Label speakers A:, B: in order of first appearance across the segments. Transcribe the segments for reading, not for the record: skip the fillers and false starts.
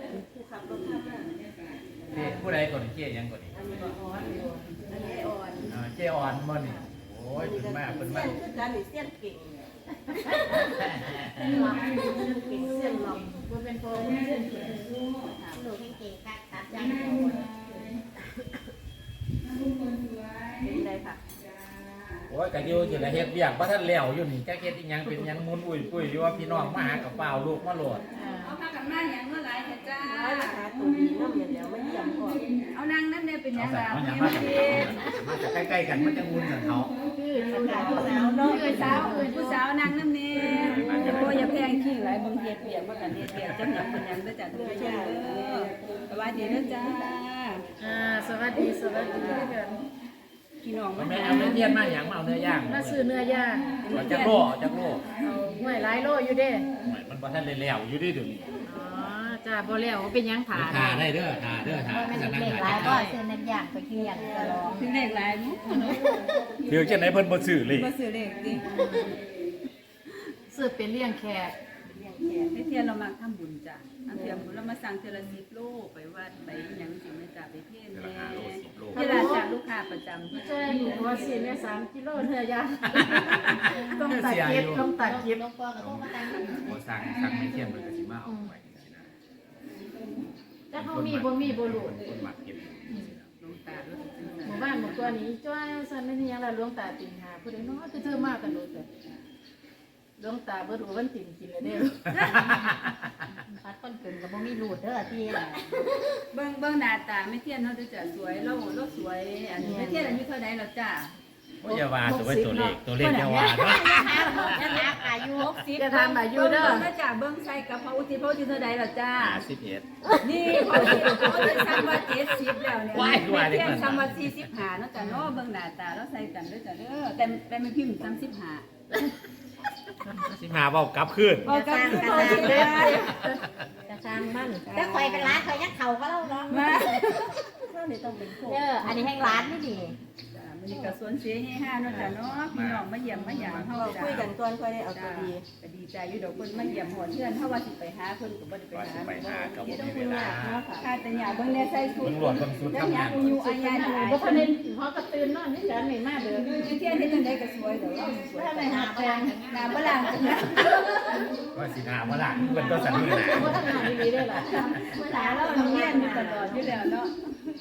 A: ผู้ขับรถข้ามมา
B: เจ๊ผู้ใดก่อนเจ๊ยังก่อนนี่
A: อันนี้อ่อนอยู่อันนี้อ่อน
B: เจ๊อ่อนบ่นี่โอ้ยเป็นมากเป็นมาก
A: คือการเสี้ยนเก่งหลับเก่งเสี้ยนหลับมันเป็นโฟมเสี้ยนเก่งหนูเก่งกัดตัดยังเป็นไรค่ะ
B: โอ้ยกะอยู่อยู่ละเฮ็ดเวียกบ่ทันแล้วอยู่นี่จักเฮ็ดอีหยังเป็นหยังมุนอุ้ยปุ้ยอยู่ว่าพี่น้องมาหากับเปล่าลูกมาโหลด
C: เอาพากันมาอย่างเมื่อไรเถอะจ้า
A: หาตัวดีน้ำเดี๋ยวไม่เยี่ยมก่อน
C: เอานั่งนั่นเนี่ยเป็นยังไง
B: มาจากใกล้ๆกันมันจะงุนกันเขา
A: คือผู้สาวเนาะ
C: ผู้สาวนั่งนั่นเนี่ยโอ้ยอย่าแพงขี้หลายบางเฮ็ดเปียกว่ากันเฮ็ดเปียกจังหยังเป็นยังได้จ้ะทุกผู้ชมเด้อสวัสดีนะจ้า
D: สวัสดีกัน
C: พี่น้อง
B: แม่เอาเนื้อเทียนมาหยังมาเอาเนื้อย่าง
D: มาซื้อเนื้อย่าง
B: จักโล
D: เอาห้วยหลายโลอยู่เด้
B: มันบ่ทันได้แล้วอยู่ดิเดี๋ยวนี้
D: อ๋อจ้าบ่แล้วเป็นยังถา
B: ได้เด้อถา
E: ไม่ใช่เด็กหลายก็ซื้อน้ำยางไปเที่ยงตลอด
C: ถึงเลขหลายมั้ง
B: เดี๋ยวจังได๋เพิ่นบ่ซื้อเลย
C: บ่ซื้อเลขดิ
D: ซื้อเป็นเลี้ยงแขก
C: ให้เทียนเรามาทำบุญจ้ะอันเทียมเรามาสั่งเทละ10โลไปวัดไปหยังสิแม่จ้ะไปเทศน์แน่เวลาจากลูกค้าประจำ
D: ใช่หนูว่าสิแม่3กิโลเนื้อย่างต้องตัดเก็บ
E: หลวงพ่อก็ต้องมาตั้ง
B: บ่สั่งไม่เทียนเพิ่นก็สิมาเอาไว้จังซี่นะ
D: แต่เขามีบ่รู้
B: คนมักเก็บ
C: หลวงตาด้วย
D: หมู่บ้านหมู่ตัวนี้จ้อยซั่นไม่มีหยังล่ะหลวงตาติงหาผู้ใดเนาะคือเธอมากันโดดแต่หลวงตาบ่รู้วันติงกินแล้วเด้อ
E: พัดคนเกินกับบ่มีรูดเด้อที่
C: เบิ่งหน้าตาไม่เทียนเฮาจะสวยเราสวยอันนี้ไม่เทียนอายุเท่าใดแล้วจ้า
B: บ่อย่าว่าตัวเลขอย่าว่าเนาะ
E: ยังนักอายุ
C: 60จะทำอายุเด้อเบิ่งจ้าเบิ่งใส่กับพระอุทิศเท่าใดแล้วจ้า
B: 51
C: นี่พระอุทิศซ้ำว่า70แล้วเนี่ยไม่เทียนซ้ำว่า45เนาะจ้าเนาะเบิ่งหน้าตาแล้วใส่กันเด้อจ้าเด้อแต่ไม่พิมพ์
B: 15เว้ากลับคืน
C: เว้ากลับคืน
E: จะสร้างมันแต่ข่อยเป็นร้านข่อยยักเข่าก็เล่าเนาะ
C: มา
E: อันนี้ให้ร้านนี่ดี
C: นี่ก็สวนเสียให้5เนาะจ้ะเนาะพี่น้องมาเยี่ยมมาหยามเฮาจ้ะ
A: คุยกันก่อนค่อยได้เอาตัวดี
C: ก็ดีใจอยู่ดอกเพิ่นมาเยี่ยมหอดเพื่อนเฮาว่าสิไปหาเพิ่นก็บ่ได้ไปหา
B: ก็บ่มีเวลา
C: ค่าแต่หยาเบิ่งแน่ใส่ชุด
B: ตำรวจเบิ่งชุดทำงาน
C: อยู่อายาหลาย
D: บ่ทันได้ฮอกระตื่นนอนนี่จันไม่มาเด้อ
C: เที่ยงเฮ็ดจังได๋ก็สวยเด้อสวยไปหาแฟนหน้าบ่ล่างจังนะ
B: ว่าสิหาบ่ล่ะเพิ่นต้องสั่นมือหน้า
D: บ่ทันหาดีๆได้ล่ะ
C: เวลาเราเรียนอยู่ตลอดอยู่แล้วเนาะ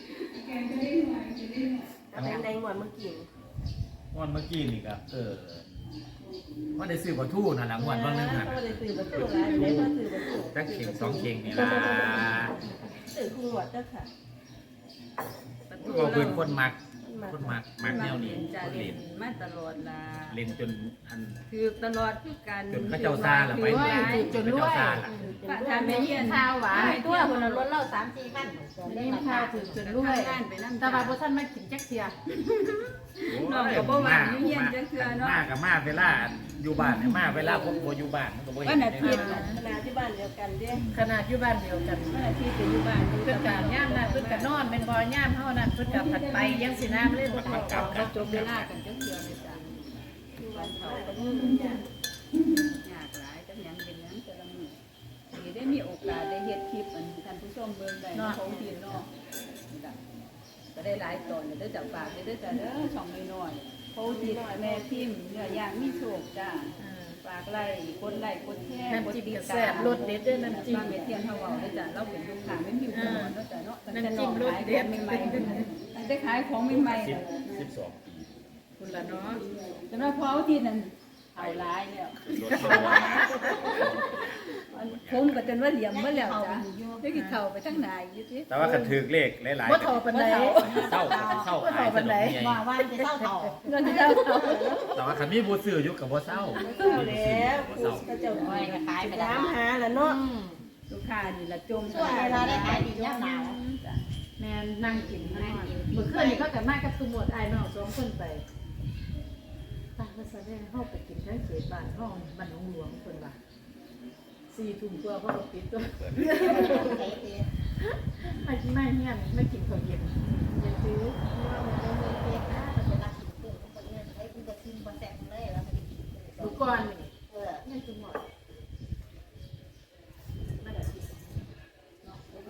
A: เป็นในหมวดเมื่อกี้
B: วันเมื่อกี้นี่ก็ว่าได้ซื้อปลาทูนั่นแหละวันบางนึงน่ะ
A: ได้ซื้อปลาทูร้านได้มาซื้อปลาทู
B: จักเข่ง2เข่งนี่ล่ะ
A: ซื้อคู่หมวดเด้อค่ะ
B: ก็เพิ่นคนมักแนวนี้
C: คนเล่นมาตลอดล่ะ
B: เล่นจนอัน
C: คือตลอดคือการ
B: จนเขาเจ้าซ่าล่ะไป
D: จนรวย
C: ถ้าแม่เรียน
D: ข้าวหวาน
E: ตัวคนละรถเล่า3-4คัน
D: เล่นข้าวถึงจนรวยแต่ว่าบ่ทันมากินจักเที่ย
C: น้องก็บ่ว่าอยู่เฮียนจังเทื่อเนาะ
B: มากับมาเวลาอยู่บ้านเนี่ยมาเวลาผมบ่อยู่บ้านมันก็บ่เห็น
C: วันอาทิตย์
A: ขนาดที่บ้านเดียวกันเด้
D: ขนาดอยู่บ้านเดียวกัน
C: วันอาทิตย์อยู่บ้าน
D: เพิ่นก็ย่ามนั้นเพิ่นก็นอนเป็นบ่ย่ามเฮานั้นเพิ่นก็ผัดไปยังสิน้ำเลยบ่
C: กลับจบเวลากันจังเทื่อเลยจ้ะอยู่บ้านเขาก็มียากหลายจังหยังเป็นหยังแต่ละมื้อสิได้มีโอกาสได้เฮ็ดคลิปอันท่านผู้ชมเบิ่งได้ของทีเนาะก็ได้หลายตอนเด้อจ้ะฝากเด้อจ้ะเด้อช่องน้อยๆโพสิแม่พิมพ์เนื้อย่างมีโชคจ้าฝากไลค์กดแชร์
D: กดติดตามรสเด็ดด้วยน้ำจิ้ม
C: แม่เทียนเฮาเว้าเด้อจ้ะเราเป็นลูกค้าไม่มีอุปกรณ์เนาะจ้ะเนาะน้ำจิ้มรสเด็ดใหม่ๆได้ขายของใหม่ๆ
B: 12 ปี
D: คุณล่ะเนาะ
C: สำหรับพอเอาที่นั่นเอาหลายแล้วผมก็จนว่าเหลี่ยมมาแล้วจ้ะได้กินข้าวไปทั้งหน้าอยู่ติ
B: แต่ว่าคันถูกเลขหลายๆ
D: บ่เท่าปานใด
B: เศร้าขายปานใด
E: ว่าจะเศร้าเฒ่า
C: เงินที่เจ้า
B: แต่ว่าคันมีบ่ซื้ออยู่ก็บ่เศร้า
A: แล้วก็เจ้าน้อยก็ขายไปตามหาแล้วเนาะ
C: ลูกค้านี่ละจม
E: ช่วงเวลาได้ขายดียามหนาว
D: แม่นั่งกินเมื่อคืนนี้เขาก็มากับตุหมดอ้ายน้อง2คนไปป้าว่าซะแม่เฮาไปกินทั้งเขตบ้านเฮาบ้านหนองหลวงเพิ่นว่า4 ทุ่มกว่าเขาก็ปิดตัวไม่เฮียนไม่กินข้าวเย็นอย่าซื้อลูกก้อนนี่ไม่จุ่มหมดไม่ได้กิน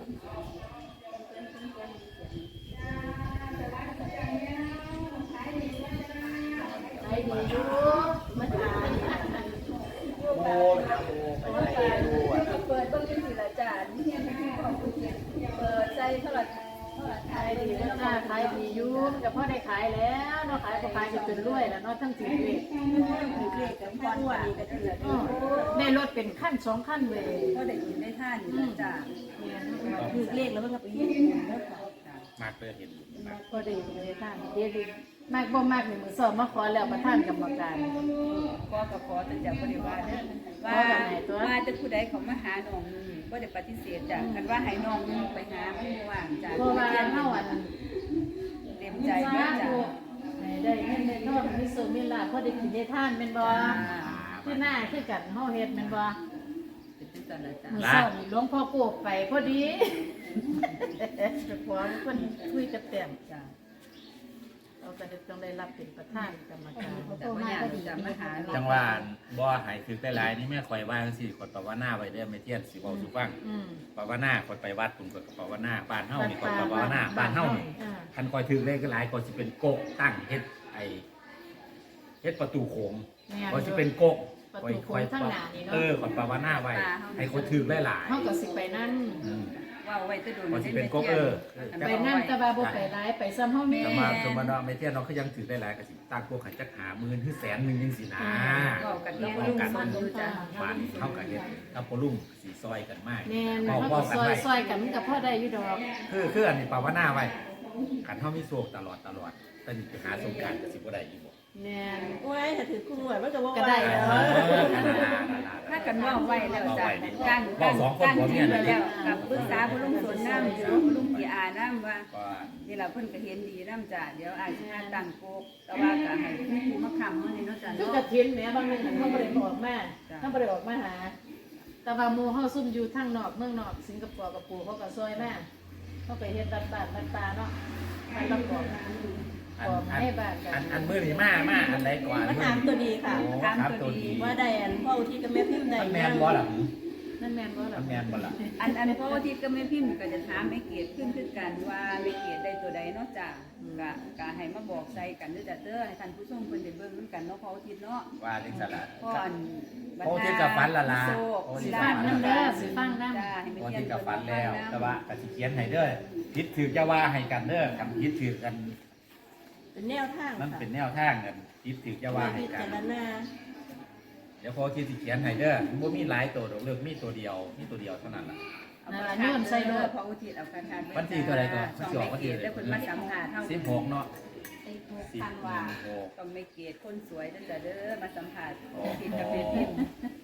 D: ายดีอยู่มันก็พอได้ขายแล้วเนาะขายก็ขายจนจนรวยแล้วเนาะทั้งถือเลข
C: ถือเลขกับพ่อว่านี่ก็ถือ
D: ได้รถเป็นขั้น2ขั้นเลย
C: ก็ได้กินได้ท่านอยู่แล้วจ้า
A: ถือเลขแล้วมันก็ไปเฮ็ดแล้วค่ะ
B: มากเลยเห็นมาก
D: ก็ได้เลยท่านเดี๋ยวดิมากบ่มากนี่มื้อสอบมาขอแล้วประธานกรรมการ
C: ก็กับขอแต่จะบริวารเด้อว่าจะผู้ใดเขามาหาน้องนึงก็ได้ปฏิเสธจ้ะคันว่าให้น้องนึงไปหาไม่ว่างจ้ะ
D: เพราะว่าเฮาอัน
C: เต็มใจเด้อจ้ะ
D: ได้เงินได้ทองมีสุขมีลาภพอได้กินได้ทานแม่นบ่คือหน้าคือกันเฮาเฮ็ดแม่นบ่
C: เป็นจังซั่นล่ะจ้ะ
D: มื้อเช้านี่หลวงพ่อโกบไปพอดีจะขอเพิ่นคุยกับแต้ม
C: จ้ะ
D: เราก็ต้องได้รับเป็นประธานกรรมการ
C: แต่ว่าอยากจะมาหา
B: จังหวะบ่หายคือได้หลายนี่แม่ข่อยว่าจังซี่คนภาวนาไว้เด้อไม่เที่ยนสิเว้าสู่ฟัง
D: อืม
B: ภาวนาคนไปวัดคุณก็ภาวนาบ้านเฮานี่คนภาวนาบ้านเฮานี่
D: อ่า
B: คันข่อยถึงได้ก็หลายก็สิเป็นโกกตั้งเฮ็ดเฮ็ดประตูโขงก็สิเป็นโกก
D: ประตูโค้งข้างหน้านี่เนาะ
B: คนภาวนาไว้ให้คนถึงได้หลาย
D: เฮาก็สิไปนั่น
C: ว่าไว้จะโดน
B: ก็สิเป็นโกก
D: ไปนั่นแต่ว่าบ่ไปหลายไปซ้ำเฮาแม่
B: สมาสมดไม่เที่ยนเราก็ยังถือได้หลายก็สิตั้งพวกขันจักหาหมื่นถึงแสนหนึงจังซี่นะ
C: ก็กันแน่ลูกมันดูจ้ะ
B: บ้านเฮาก็เฮ็ดกับพ่อลุงสิซอยกันมาก
D: แม่น
B: เว้า
D: เฮา
B: เว้า
D: ก็
B: กันไว้
D: ซอยๆกันมันก็พอได้อยู่ดอก
B: คืออันนี้ภาวนาไว้กันเฮามีโชคตลอดแต่นี่ไปหาสงกรานต์ก็สิบ่ได้อีกบ่
D: แม่น
A: โอ้ยถ้าถือคู่หน่วยมันก็บ่
D: ก็ได้
A: แล้
D: แล้ว
C: ถ้ากันว่าไว้แล้วจ้ะการที่ไปแล้วกับปรึกษาผู้ลุงสวนน้ำอยู่ผู้ลุงกี่อาน้ำว่า
B: ก็
C: นี่เราเพิ่นก็เห็นดีน้ำจ้ะเดี๋ยวอาจจะมาตั้งโกกแต่ว่าก็ให้ผู้มาคำมันนี่เนาะจ้ะ
D: คือก
C: เนาะ
D: ระถินแหมบางนึงเฮาบ่ได้ออกมาเฮาบ่ได้ออกมาหา แต่ว่าหมู่เฮาซุ่มอยู่ทางนอกเมืองนอกสิงคโปร์กับปู่เขาก็ซอยมาเฮาไปเฮ็ดบ้านบ้านตาเนาะมันรับบอกให้บ้านกัน
B: อันมื้อนี้มาอันใดก่อน
A: มาถามตัวดีค่ะ
B: ถามตัวดี
A: ว่าได้อันพ่ออุทิศกับแม่พิมพ์ได้
B: มันแม่นบ่ล่ะ
D: นั่นแม่นบ่ล่ะ
B: มันแม่นบ่ล่ะ
C: อันเพราะว่าที่ก็ไม่พิมพ์ก็จะถามไม่เกียรติขึ้นกันว่าไม่เกียรติได้ตัวใดเนาะจ้ะก็ให้มาบอกใส่กันด้วยจ้ะเด้อให้ท่านผู้ชมเพิ่นได้เบิ่งนำกันเนาะเพราะอาทิตย์เนาะ
B: ว่าจังซั่นล่ะ
C: เพราะอัน
B: เพราะอาทิตย์กับฝันละล่ะ
C: โอ้
D: สิฟังนำเด้อสิฟังนำ
C: จ้าให้ไม่
B: พอ
C: เกียร
B: ที่
C: ติ
B: กับฟันแล้ว แต่ว่าก็สิเขียนให้เด้อผิดถือจะว่าให้กันเด้อกันผิดถือกัน
A: เป็นแนวทาง
B: มัน
A: ค่ะ
B: เป็นแนวทางกันผิดถือจะว่าให้
A: พิ
B: กั
A: จาน รณา
B: เดี๋ยวพอที่สิเขียนให้เด้อมันบ่มีหลายตัวดอกเลือกมีตัวเดียวเท่านั้นล่ะ
C: เอาไปโยนใส่รถเพราะอุทิศเอาการทาน
B: วันที่เท่าไหร่ก่อน
C: ต้องไม่เกียรติแล้วเพิ่นมาสัมภาษณ์เฮา
B: 16เนาะ
C: ทางว่า
B: 16
C: ต้องไม่เกียรติคนสวยตั้งแต่เด้อมาสัมภาษณ์ผิดกับเป็นพิมพ์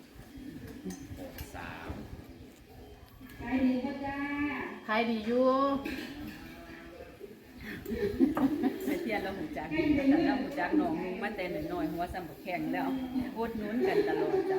B: 3
D: ขายดีอยู่
C: ไม่เทียนเราหูจักแต่เราหูจักน้องนึงมาแต่น้อยๆหัวซ้ำบักแข็งแล้วอดหนุนกันตลอดจ้ะ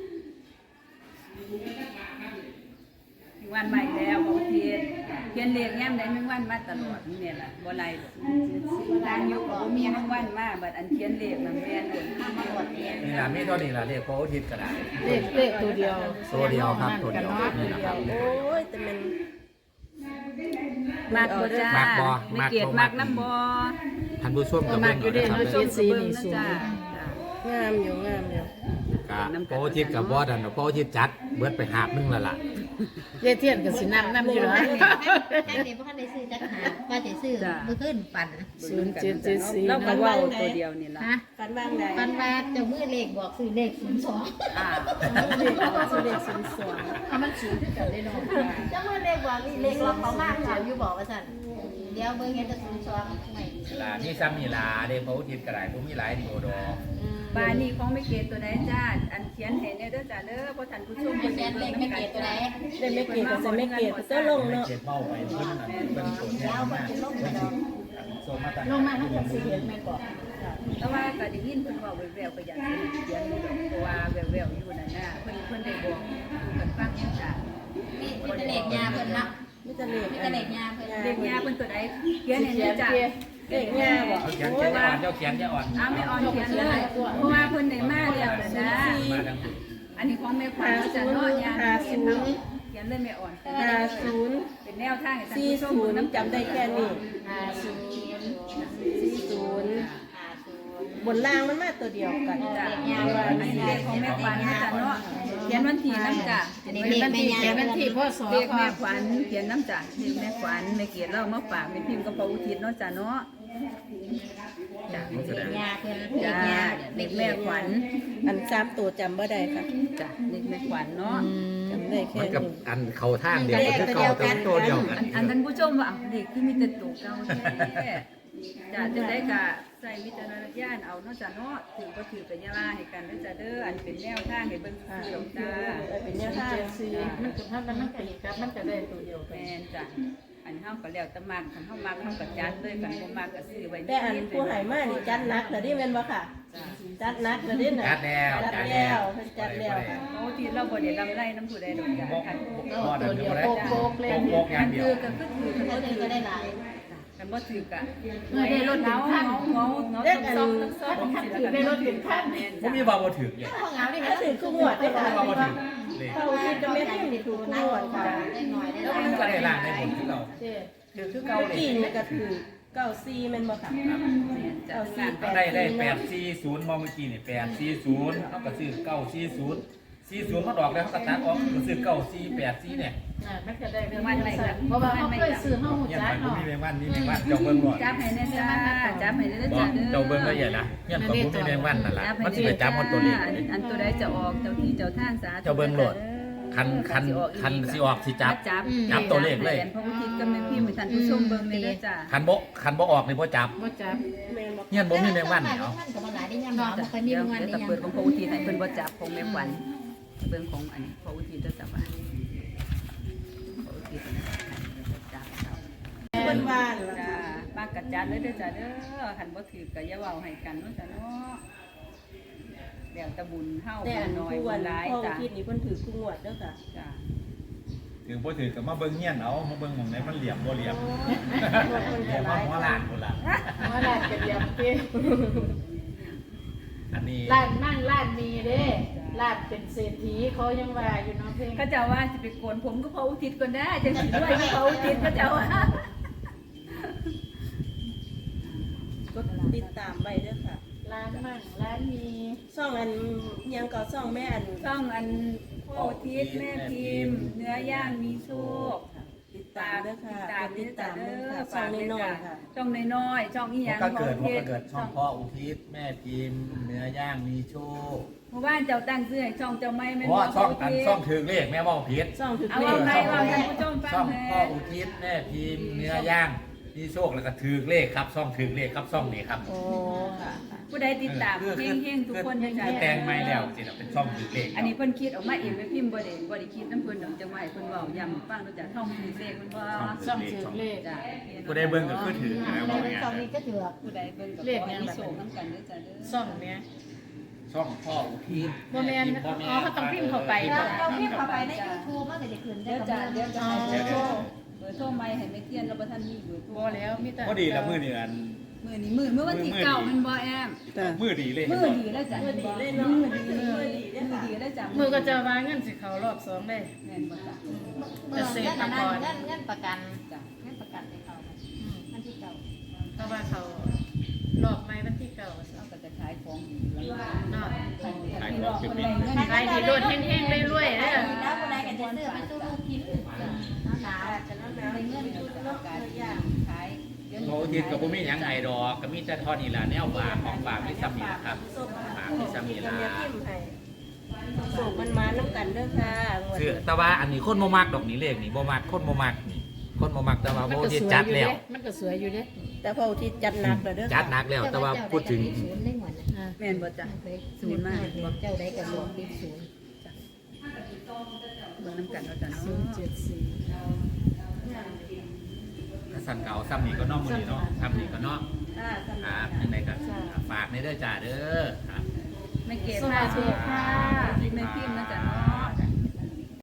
C: ถึงวันใหม่แล้วบางทีเขียนเลขแง้มได้มึงวันมาตลอดนี่แหละบ่ไรทางยุคก็มีมึงวันมาบัดอันเขียนเลขมันแม่นเลยมาหมดเนี่ย
B: นี่ล่ะมีเท่านี้ล่ะเลขพออาทิตย์ก็ได้
D: เลขตัวเดียว
B: ตัวเดียวครับตัวเดียว
D: กัน
B: นี่
D: เนาะ
B: แหละครับ
A: โอ้ยแต่มัน
C: มากบ่จ้าไม่เกียรติมากน้ำบ่
B: ท่านผู้ชมก็
D: มา
B: เบิ่ง
D: อยู่
B: เอา
D: เด้
B: นะครับ
D: เนาะ
B: เด้อ
D: เจ็ดสีนี่สูง
C: จ้าง
A: ามอยู่งามอยู่
B: ก็พออาทิตย์กับบอสอันพออาทิตย์จัดเบิดไปหาบนึงแล้วล่ะ
D: เยเทียนก็สินำอยู่เนาะ
E: แค่นี้บ่ทันได้ซื้อจักหาว่าสิซื้อมื้อขึ้นปั่น
D: 0774
C: เรา
D: เนาะ
C: ก็เว้าตัวเดียวนี่ล่ะ
E: ฮะ
A: กันบ้างได้
E: ปันว่าเจ้ามือเลขบอกซื้อเลข02
C: อ่า
A: เลขบอกซื้อเลข02
D: เอามันสูงขึ้นกันได้เนาะ
E: เจ้ามือเลขบอกเลขเราเขามากเขาอยู่บอกว่าซั่นเดี๋ยวเบิ่งเห็นแต่02ไม่
B: ล่ะนี่ซ้ำนี่ล่ะเด้พออาทิตย์ก็ได้บ่มีหลายโดดอก
C: บ้านนี้ของไม่เกียรติตัวใดจ้าอันเขียนให้เนี่ยเด้อจ้าเด้อเพราะท่านผู้ชม
E: เขียนเลขไม่เกตตัวไหน
A: ได้ไม่เกตก็จะไม่เกตก็ลง
B: ไม่
A: เนาะ
B: เจ็บเบ้าไปเพิ่นนั่นเพิ่นตัวแทนมาเพิ่นสิโซมาตั้ง
D: ลงมาทั้งหมดสิเห็นแม่นบ่
C: แต่ว่าก็ได้ยินเพิ่นเว้าแววๆก็อยากให้เขียนอยู่ดอกเพราะว่าแววๆอยู่นั่นน่ะเพิ่นได้บอกอยู่กันฟังอยู่จ้า
E: มีแต่เลขยาเพิ่นเนาะ
A: มีแต่เลข
E: มีแต่เลขยาเพิ่น
C: เด็กยาเพิ่นตัวใดเขียนให้เนี่ยจ้า
A: เลขง่ายบ่
B: เอาเขียนจะอ่อนเจ้าเขียนจะอ่อน
C: อ้าวไม่อ่อนเขียนเลยเพราะว่าเพิ่นได้มาแล้วนะ
B: มาดังสุด
C: อันนี้ของแม่ขวัญจะเนาะยาเขียนเนาะเขียนเลยไม่อ่อน
A: 50
C: เป็นแนวทางให้ท่านผู้ชม
A: 40น้ำจำได้แค่นี้40บนล่างมันมาตัวเดียวกัน
C: จ้าอันนี้เลขของแม่ขวัญนะจ้ะเนาะเขียนวันที่น้ำจ้ะ
E: อันนี้
D: เป็น
E: เลข
D: วัน
E: แม่
D: ที่
E: ยา
D: เป็นวันที่พ่อสอ
C: เลขแม่ขวัญเขียนน้ำจ้ะเลขแม่ขวัญแม่เกียรติเรามาฝากแม่พิมพ์กับพระอุทิศเนาะจ้ะเนาะจ้ะ
E: เลขยาเพิ่นเล
C: จ้า
E: ขยา
C: เลขแม่ขวัญ
F: อัน3ตัวจำบ่ได้ค่ะ
C: จ้ะเลขแม่ขวัญเนาะ
F: จำได้แค่
B: มันกับ
F: นี้
B: อันเข้าทางเดียวกันคือเก่าแต่มันตัวเดียวกัน
C: อันท่านผู้ชมว่าเด็กที่มีแต่ตัวเก่าแท้จ้ะจะได้กะใส่วิจารณญาณเอาเนาะจ้ะเนาะถือก็ถือเป็นยาลาให้กันเด้อจ้ะเด้ออันเป็นแนวทางให้เบิ่งคือดอกจ้า
F: เป็นแนวทาง
D: มันก็ถ้ามันก็อีกครับมันก็ได้ตัวเดียวกัน
C: แม่นจ้ะอันเฮาก็แล้วแต่มักคันเฮามักเฮาก็จัดเลยคันบ่มักก็ซื้อไว้
F: แต่อันผู้ใหายมานี่จัดหนักแต่นี่แม่นบ่ค่ะ จัดหนักแต่นี่น่ะ
B: จัดแล้ว
F: จัดแล้วเพิ่นจัดแล้วค่ะ
C: โอ้ที่เราบ่ได้ลำไรน้ำผู้ใดดอกจ้ะคัน
D: ตัวเดียวโปกเลย
B: โปกอย่างเดียว
C: คือก็คือถือคัน
E: เขา
C: บ่
E: ถื
C: ถื
E: อ
C: อ
E: ก็ได้หลาย
C: คันบ่ถือกะ
D: เมื่อได้รถ
C: เงา
D: เป็น
C: เงา
D: ขั้น
C: เงาเงาต้องซ่อม
D: ถือได้รถเป็นขั้น
B: ผมมีบาบ่ถึกเลย
E: ห้องน้ำนี่
F: ถ้าถือคู่งวดได้ค่ะ
B: บาบ่ถึกเลย
F: เข้าที่จะไม่ให้มีคู่งวดค่ะ
E: ได้หน่อยได้
B: แล้ว
E: หลาย
B: มันก็ได้ล่างได้บนที่เรา
D: เจ๊
B: คือเก่า
F: เมื่อ
B: เลย
F: กี้นี่ก็ถือ94แม่นบ่ค่ะ
B: ก็ได้840มองเมื่อกี้นี่840เขาก็ซื้อ940มันออกแล้วเขาก็ตัดออกก็ซื้อ9484เนี่ย
D: มันก็ได้เพราะว่าเขาเคยซื้อห้องหู
B: เนี่ย
D: จัก
B: มัน
D: เนาะ
B: มีแมงวันนี่แมงวันเจ้าเบิ่งหน่อย
C: จับให้แน่จ้าจับให้แน่
B: บอ
C: จ้าก เด้อ
B: เจ้าเบิ่งละเอียดนะเนี่ยก็บ่มีแมงวันนั่นล่ะมันสิไปจับหมดตัวนี้
C: อันตัวใดจะออกเจ้าที่เจ้าทางสา
B: เจ้าเบิ่งโหลด คันสิออกสิจับ จับตัวเลขเลย
C: พระอุทิศก็ไม่พิมพ์ให้ท่านผู้ชมเบิ่งเลยเด้อจ้า
B: คันบ่ออกนี่บ่จับ
D: บ่จับ
F: แม่นบ่
B: เนี่ยบ่มีแมงวันเนาะ
E: มันก็บ่หลายได้ยามหนาวบ่ค่อยมี
C: เดี๋ยว
E: วันได้
C: จะ
E: ยาม
C: เปิดของพระอุทิศให้เพิ่นบ่จับของแม่ขวัญเบิ่งของอันพระอุทิศเด้อจ้าว่าพระอุทิศจับ
F: เพิ่นว่านั่นล่ะ
C: จ้า
F: ค่ะ
C: มากกัดจัดเลยเด้อจ้าเด้อคันบ่ถือก็อย่าเว้าให้กันเนาะจ้าเนาะเดี๋ยวตะบุญเฮา
F: แต่
C: บุ
F: อั
C: ญ
F: น
C: น้อย
F: ผู้
C: บุ
F: วั
C: ญ
F: น
C: หลาย
F: พ่อ
C: จ้า
F: คิดนี่เพิ่นถือคู่งวดเด้อค่ะ
C: จ้า
B: ถือบ่ถือก็มาเบิ่งเฮียนเอามาเบิ่งหม่องไหนมันเหลี่ยมบ่เหลี่ยม
F: มัน
B: เหลี่
F: ก็
B: ยม
F: หลาย
B: หัวล้านพุ่นล่ะ
D: ว่าร้านกระเดียมเจ๊
B: อันนี้
D: ร้านนั่งร้านมีเด้ร้านเป็นเศรษฐีเขายังว่าอยู่เนาะเพลง
C: ก็จะว่าสิไปโกนผมก็พระอุทิศก่อนได้จังสิด้วยก็พระอุทิศก็จะว่า
F: ก็ติดตามไว้เด้อค่ะ
D: ร้านมั่งร้านมี
F: ช่องอันยังก็ช่องแม่อัน
C: ช่องอันพระอุทิศแม่พิมพ์ เนื้อย่างมีโชค
F: ติดตามเด้อค่ะ
C: ติดตาม
F: เด้
C: เด้
F: อ
C: อ
F: ค่ะช่องน้อยๆค่ะ
C: ช่องน้อยๆช่องอีหยัง
B: ก็เกิด
C: พระอุทิศ
B: ช่องพ่ออุทิศแม่พิมพ์เนื้อย่างมีโชค
C: เพราะว่าเจ้าตั้งชื่อให้ช่องเจ้าไม่แม่น
B: เพราะว่าช่อง
C: พระ
B: อัน
C: ทิศ
B: ช่องถือเลขแม่เว้าผิด
F: ช่องถือ
C: เอา
F: เล
C: ว่า
F: ข
C: ใครว่าท่านผู้ชมฟัง
B: ช่อง
C: แม่
B: พ่ออุทิศแม่พิมพ์เนื้อย่างมีโชคแล้วก็ถือเลขครับช่องถือเลขครับช่องนี้ครับ
F: โอ้ค่ะ
C: ผู้ใดติดตามเฮงๆทุกคนจัง
B: คือ
C: ๆ
B: แตงไม้แล้วสิน่ะเป็นช่องถือเลข
C: อันนี้เพิ่นคิดออกมาเองแม่พิมพ์บ่ได้คิดน้ำเพิ่นดอกจังว่าให้เพิ่นเว้าย้ำฟังดูจ้ะท่องถือเลขเพิ่นบ่
D: ช่องถือเลข
C: จ้ะ
B: ผู้ใดเบิ่งก็คือถือนะบอกง่าย
E: ตอนนี้ก็ถือ
C: ผู้ใดเบิ่งก็
D: เลข
C: ขอ
D: ยั
C: ให้
D: ง
C: มี
D: แบบ
C: โชคนํกันเด้อจ้ะเด้อ
D: ช่องเนี้ย
B: ๆช่องพ่ออุทิศ
D: บ่แม่นอ๋อเขาต้องพิมพ์เข้าไป
E: เราพิมพ์เข้าไปใน YouTube มันก็จะขึ้นได้
C: เดี๋ยว
E: กับ
C: จ้ะเดี๋ยวจะให้เบอร์โทร
B: เดี๋ยว
C: เบอร์โทรใหม่ให้แม่เทียนแล้วบ่ทันมีเบอร์โทร
D: บ่แล้วมีแต่
B: พอดีละมื้อนี้อัน
C: มื้อนี้มื้อวันที่9มันบ่แอม
B: มื้อดีเลย
C: มื้อดีแล้วจ้ะมื้อดีเลยเนาะมื้อดีแล้วจ้ะ
D: มือก็จะว่าเงินสิเขารอบ2ได้
C: แม่นบ่จ้ะ
E: เงินประกัน
C: จ้ะ
E: เงินประกันให้เขามันที่เก่า
D: เพราะว่าเขารอบใหม่วันที่9
C: เราก็จะขายของดี
D: เนาะ
B: ขายของเป็น
D: ขายดีโดดแห้งๆเรื่อยๆเด้อ
E: แล้วคนใดก็จะซื้อไปสู้ลูกกินหนาวจะน้ำหนาวเงินชุดลดตัวอย่าง
C: ขายเดี๋ยว
B: พ่ออุทิศก็บ่มีหยังให้ดอกก็มีแต่เท่อนี้ล่ะแนวฝากของฝากที่ซ้ำนี่ล่ะครับฝากที่ซ้ำนี่ล่ะ
F: เมียพิมพ์ให้ส่งมันมาน้ำกันเด้อค่ะงวด
B: คือแต่ว่าอันนี้คนบ่มักดอกนี้เลขนี่บ่มักคนบ่มักนี่คนบ่มักแต่ว่า
D: มัน
B: บ่
D: ก็
B: ที่
D: สวย
B: จัด
D: อยู่
B: แล้
D: เด้
B: ว
D: มันก็สวยอยู่เด้
F: แต่พออุทิศจัดหนักแล้วเด้อ
B: จัดหนักแล้วแต่ว่าพูดถึง
E: ศูนย์ได้หมดนะ
C: แม่นบ่จ้ะ
E: ศูนย์มากเจ้าใดก็รวมเป็นศูนย์
C: เบิ่งน้ำกันเนาะจ้ะเนาะ
D: 074
B: ถ้าสั่นเก่าซ้ำนี่ก็เนอกมื้อนี้เนาะซ้ำนี่ก็เนาะ
F: ค่ะสำ
B: ค
F: หรับ
B: รับยังไงก็ฝากในเด้อจ้าเด้อครับ
C: ไม่เก็บ
D: สวัสดีค่ะ
C: แม่พิมพ์นะจ้ะเนาะ